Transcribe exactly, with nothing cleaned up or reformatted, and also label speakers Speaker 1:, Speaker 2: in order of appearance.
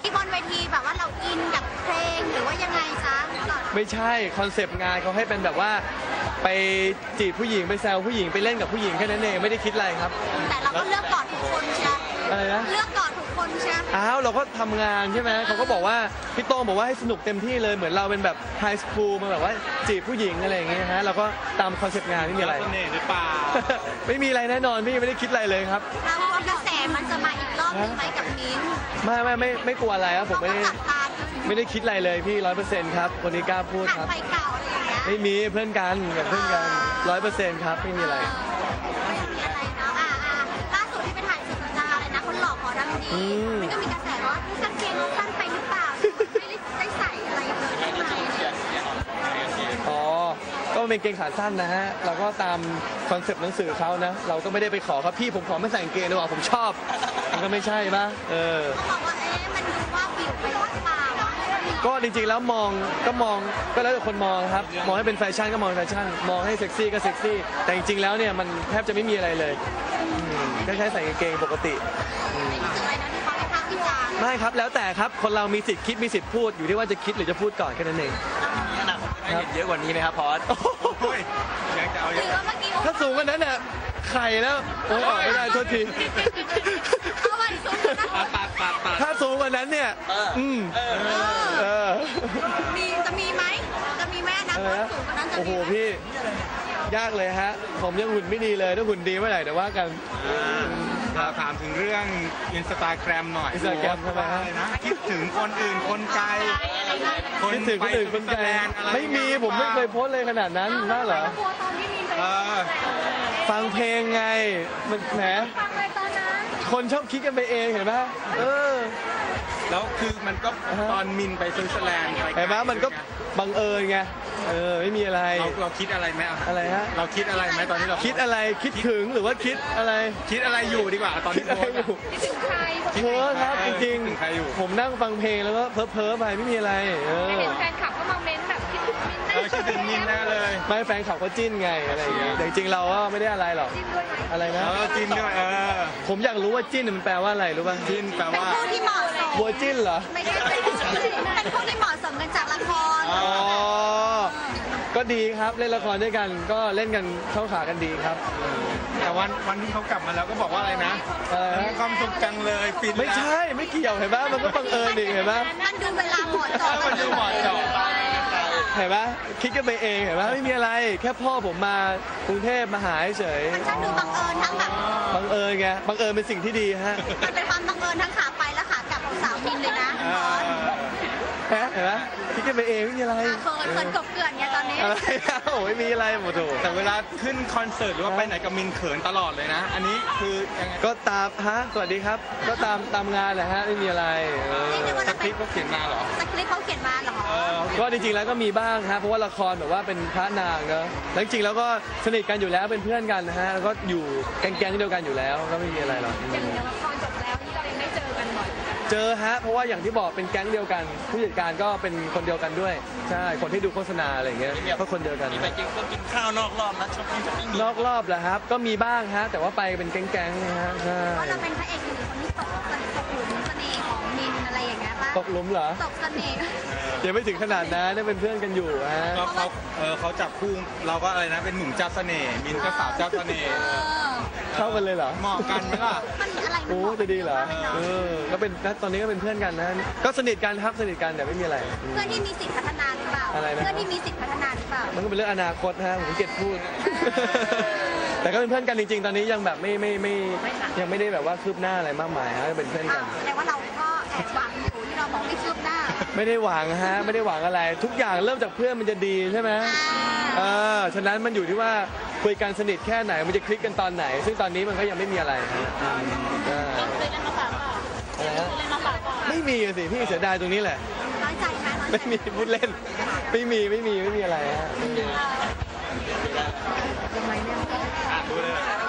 Speaker 1: ที่บนเวทีแบบว่าเราอินกับเพลงหรือว่ายังไงคะตลอด
Speaker 2: ไม่ใช่คอนเซปต์งานเขาให้เป็นแบบว่าไปจีบผู้หญิงไปแซวผู้หญิงไปเล่นกับผู้หญิงแค่นั้นเองไม่ได้คิดอะไรครับ
Speaker 1: แต่เราก็เลือกก่อนทุกคนใช่ไหม
Speaker 2: อะไรนะ
Speaker 1: เลือกก่อนทุกคนใช่ไหม
Speaker 2: อ้าวเราก็ทำงานใช่ไหมเขาก็บอกว่าพี่โต้งบอกว่าให้สนุกเต็มที่เลยเหมือนเราเป็นแบบไฮสคูลมาแบบว่าจีบผู้หญิงอะไรอย่างเงี้ยฮะเราก็ตามคอนเซปต์งานไม่มีอะไร
Speaker 3: เสน่ห์หรือเปล่า
Speaker 2: ไม่มีอะไรแน่นอนพี่ไม่ได้คิดอะไรเลยครับ
Speaker 1: เราว่ากระแสมันจะมาอีกรอบหนึงไหมกับมิ้นท์
Speaker 2: ไม่ไม่ไม่ไม่กลัวอะไรครับผม
Speaker 1: เขา
Speaker 2: ไม่
Speaker 1: ก็
Speaker 2: ได้
Speaker 1: จับตาดู
Speaker 2: ไม่ได้คิดอะไรเลยพี่ร้อยเปอร์เซ็นต์ครับคนนี้กล้าพูด
Speaker 1: ผ่าน
Speaker 2: ครับ
Speaker 1: ไฟเก่าอะไรอย่างเงี้ย
Speaker 2: ไม่มีเพื่อนกันกับเพื่อนกันร้อยเปอร์เซ็นต์ครับไม่มีอะไร
Speaker 1: ไม่มีอะไรเนาะอ่าอ่าล่าสุดที่ไปถ่ายสุดสัปดาห์อะไรนะคนหล่อขอดังดี
Speaker 2: อืม
Speaker 1: มันก็มีกระแสว่ากางเกงเราสั้นไปหรือเปล่าไม่ได้ได้ใส่อะไรเลยใช่ไหม
Speaker 2: อ๋อ ก็เป็นเกงขาสั้นนะฮะ เราก็ตามคอนเซปต์หนังสือเขานะ เราก็ไม่ได้ไปขอครับพี่ผมขอไม่ใส่กางเกงดีกว่าผมชอบ มันก็ไม่ใช่ปะเออ
Speaker 1: เขาบอกว่าเอ๊ะมันดูว่าบิวไปหรือเปล่า
Speaker 2: ก็จริงๆแล้วมองก็มองก็แล้วแต่คนมองครับ มองให้เป็นแฟชั่นก็มองเป็นแฟชั่น มองให้เซ็กซี่ก็เซ็กซี่ แต่จริงๆแล้วเนี่ยมันแทบจะไม่มีอะไรเลยอืมก็แค่ใส่กางเกงปกติ
Speaker 1: ไม่รู้สึกอะไรนะที่เขาวิพากษ์วิจารณ์
Speaker 2: ไม่ครับ แล้วแต่ครับ คนเรามีสิทธิ์คิดมีสิทธิ์พูดอยู่ที่ว่าจะคิดหรือจะพูดก่อนแค่นั้นเอง
Speaker 3: ให้เห็นเยอะกว่านี้ไหมครับพอสโอ้ยยังจะเอา
Speaker 1: ห
Speaker 3: เย
Speaker 1: รือ
Speaker 3: อะ
Speaker 1: ว่าเมื่อกี้
Speaker 2: ถ้าสูงกว่านั้นน่ะไข่แล้วโอ้ยออกไม่ได้โทษที
Speaker 1: เอาวันสูงนะ
Speaker 3: ปัดปัดปัดปัด
Speaker 2: ถ้าสูงกว่านั้นเนี่ย อืม
Speaker 3: เออ
Speaker 2: เออ
Speaker 1: มีจะมีไหมจะมีไหมอนะ
Speaker 2: อะไร
Speaker 1: ว่า
Speaker 2: นะ
Speaker 1: สูงกว่านั้นจะ
Speaker 2: โอ้โห
Speaker 1: มีไหม
Speaker 2: พี่ ยากเลยฮะ ผมยังหุ่นไม่ดีเลย ถ้าหุ่นดีเมื่อไหร่เดี๋ยวว่ากัน
Speaker 3: เราถามถึงเรื่องอินสตาแกรมหน่อย
Speaker 2: Instagram ทำไมฮะ
Speaker 3: อะไรนะคิดถึงคนอื่นคนไกล
Speaker 2: คิดถึงคนอื่นคนไกล
Speaker 3: ไปสวิตเซอร์แลนด์อะไร
Speaker 2: ไม่มีผมไม่เคยโพสต์เลยขนาดนั้นน่าเหรอ
Speaker 1: กลัวตอนที่มีนไป
Speaker 3: เออ
Speaker 2: ฟังเพลงไง มันแหม
Speaker 1: ฟังเลยตอนนั้น
Speaker 2: คนชอบคิดกันไปเองเห็นไหมเออ
Speaker 3: แล้วคือมันก็
Speaker 2: อ่าฮะ
Speaker 3: ตอนมินไปสวิตเซอร์แลนด์อะไร
Speaker 2: เห็นไหมมันก็บังเอิญไง เออ ไม่มีอะไร
Speaker 3: เราเราคิดอะไรไหม
Speaker 2: อะไรฮะ
Speaker 3: เราคิดอะไรไหมตอนที่เรา
Speaker 2: คิดอะไร คิดถึงหรือว่าคิดอะไร
Speaker 3: คิดอะไรอยู่ดีกว่าตอน
Speaker 2: คิด
Speaker 3: ที่
Speaker 2: อะไร
Speaker 3: โพสต์
Speaker 2: อยู่
Speaker 1: คิดถึงใคร
Speaker 2: เพ้อครับจริง
Speaker 3: คิดถึงใครอยู่
Speaker 2: ๆ ผมนั่งฟังเพลงแล้วก็เพ้อเพ้อๆไปไม่มีอะไร เออ
Speaker 1: เห็นแฟนคลับก็มาเม้นแบบคิดถึงมิน
Speaker 3: เออคิดถึงมินแน่เลย
Speaker 2: ไม่แฟนขับเขาจิ้นไงอะไรอย่างเงี้ยแต่จริงๆเราก็ไม่ได้อะไรหรอก อะไรนะ
Speaker 3: เออจินด้วยเออ
Speaker 2: ผมอยากรู้ว่าจิ้นมันแปลว่าอะไรรู้ป่ะ
Speaker 3: จินแปล
Speaker 1: เป็น
Speaker 3: ว่า
Speaker 1: ผู้ที่เหมาะสม
Speaker 2: วัวจิ้นเหรอ
Speaker 1: ไม่ใช่เป็นผู้เป็นผู้ที่เหมาะสมกันจากละคร
Speaker 3: อ๋
Speaker 2: อ๋อ ก็ดีครับเล่นละครด้วยกัน ก็เล่นกันเข้าขากันดีครับ
Speaker 3: แต่วันวันที่เขากลับมาแล้วก็บอกว่าอะไรนะ
Speaker 2: อะไรนะ
Speaker 3: มีความสุขจังเลยฟิน
Speaker 2: ไม่ใช่ไม่เกี่ยวเห็นปะมันก็บังเอิญดิเห็นปะ
Speaker 1: มันดูเวลาเหมาะเจาะ
Speaker 3: มันดูเหมาะเจาะ
Speaker 2: เห็นปะคิดกันไปเองเห็นปะไม่มีอะไร แค่พ่อผมมากรุงเทพมาหาเฉย
Speaker 1: มันช่างดูบังเอิญทั้งแบบ
Speaker 2: บังเอิญไงบังเอิญเป็นสิ่งที่ดีฮะ
Speaker 1: มันเป็นความบังเอิญทั้งขาไปและขากลับของสาวมินเลยนะ
Speaker 3: เออ
Speaker 2: ฮะเห็นปะคิดกันไปเองไม่มีอะไร
Speaker 1: เขินเขินกบเกลื่อนไงตอนนี้
Speaker 2: อะไรนะโอ้ยมีอะไรหมดโถ
Speaker 3: แต่เวลาขึ้นคอนเสิร์ตหรือว่าไปไหนกับมินเขินตลอดเลยนะ อันนี้คือยังไง
Speaker 2: ก็ตามฮะสวัสดีครับ ก็ตามตามงานแหละฮะไม่มีอะไรเออ
Speaker 1: นี่นึกว่า
Speaker 3: ส
Speaker 1: จะ
Speaker 3: ค
Speaker 1: เป็
Speaker 3: ริ
Speaker 1: น
Speaker 3: ปต์เขาเขียนมาเหรอ
Speaker 1: สคริปต์เขาเขียนมาเหรอ
Speaker 3: เออ
Speaker 2: ก็จริงๆแล้วก็มีบ้างฮะเพราะว่าละครแบบว่าเป็นพระนางเนอะแล้วจริงๆแล้วก็สนิทกันอยู่แล้วเป็นเพื่อนกันนะฮะแล้วก็อยู่แก๊งๆเดียวกันอยู่แล้วก็ไม่มีอะไรหรอก
Speaker 1: อย่างละครจบแล้วที่เรายังได้เจอกันบ่อย
Speaker 2: เจอฮะเพราะว่าอย่างที่บอกเป็นแก๊งเดียวกัน ผู้จัดการก็เป็นคนเดียวกันด้วยใช่คนที่ดูโฆษณาอะไรอย่างเงี้ยก็คนเดียวกัน
Speaker 3: ไปกินก็กินข้าวนอกรอบนะชอบกินชอบกิน
Speaker 2: นอกรอบแหละครับ ก็มีบ้างฮะแต่ว่าไปเป็นแก๊งๆนะฮะใช่
Speaker 1: ว่าเราเป็นพระเอกหรือคนที่ตกตกหลุมเสน่ห์ของมินอะไรอย่างเงี้ยป่ะ
Speaker 2: ตกหลุมเหรอ
Speaker 1: ตกเสน่ห์
Speaker 2: ยังไม่ถึงขนาดนั้นได้เป็นเพื่อนกันอยู่ฮะ
Speaker 3: ก็เขาเออเขาจับคู่เราก็อะไรนะเป็นหนุ่มเจ้าเสน่ห์มินก็สาวเจ้าเสน่ห์
Speaker 1: เออ
Speaker 2: เข้ากันเลยเหรอ
Speaker 3: เหมาะกันไหมล่ะ
Speaker 1: มันอะไรมัน
Speaker 2: โอ้
Speaker 1: เหมา
Speaker 2: จะดีเหรอ
Speaker 1: มากลย
Speaker 2: เอ
Speaker 1: นาะ
Speaker 2: อก็เป็นตอนนี้ก็เป็นเพื่อนกันนะ ก็สนิทกันครับสนิทกันแต่ไม่มีอะไร
Speaker 1: เพื่อนที่มีสิทธิพัฒนาหรือเปล่า
Speaker 2: อะไรนะ
Speaker 1: เพื่อนที่มีสิทธิพัฒนาหรือเปล่า
Speaker 2: มันก็เป็นเรื่องอนาคตฮะผมเกลียดพูด แต่ก็เป็นเพื่อนกันจริงๆ ตอนนี้ยังแบบไม่ไม่ไม่ยังไม่ได้แบบว่าคืบหน้าอะไรมากมายฮะเป็นเพื่อนกั
Speaker 1: อ้าน วแสดงว่าเราก็แอบหวังอยู่ที่เราบอกไม่คืบหน้า
Speaker 2: ไม่ได้หวังฮะไม่ได้หวังอะไร ทุกอย่างเริ่มจากเพื่อนมันจะดีใช่ไหม
Speaker 1: อ่า
Speaker 2: เออฉะนั้นมันอยู่ที่ว่าคุยกันสนิทแค่ไหนมันจะคลิกกันตอนไหน ซึ่งตอนนี้มันก็ยังไม่มีอะไรฮะใช่
Speaker 1: เคยเล่นมาฝากเปล่า
Speaker 2: อะไรฮะ
Speaker 1: เคยเล่นมาฝากเปล่า
Speaker 2: ไม่มีอะสิพี่เสียดายตรงนี้แหละ
Speaker 1: น้อยใจไหมน้อยใจ
Speaker 2: ไม่มีพูดเล่น ไม่มีไม่มีไม่มีอะไรฮะ
Speaker 1: ยังไงเนี่ย
Speaker 3: อ่านดูเลย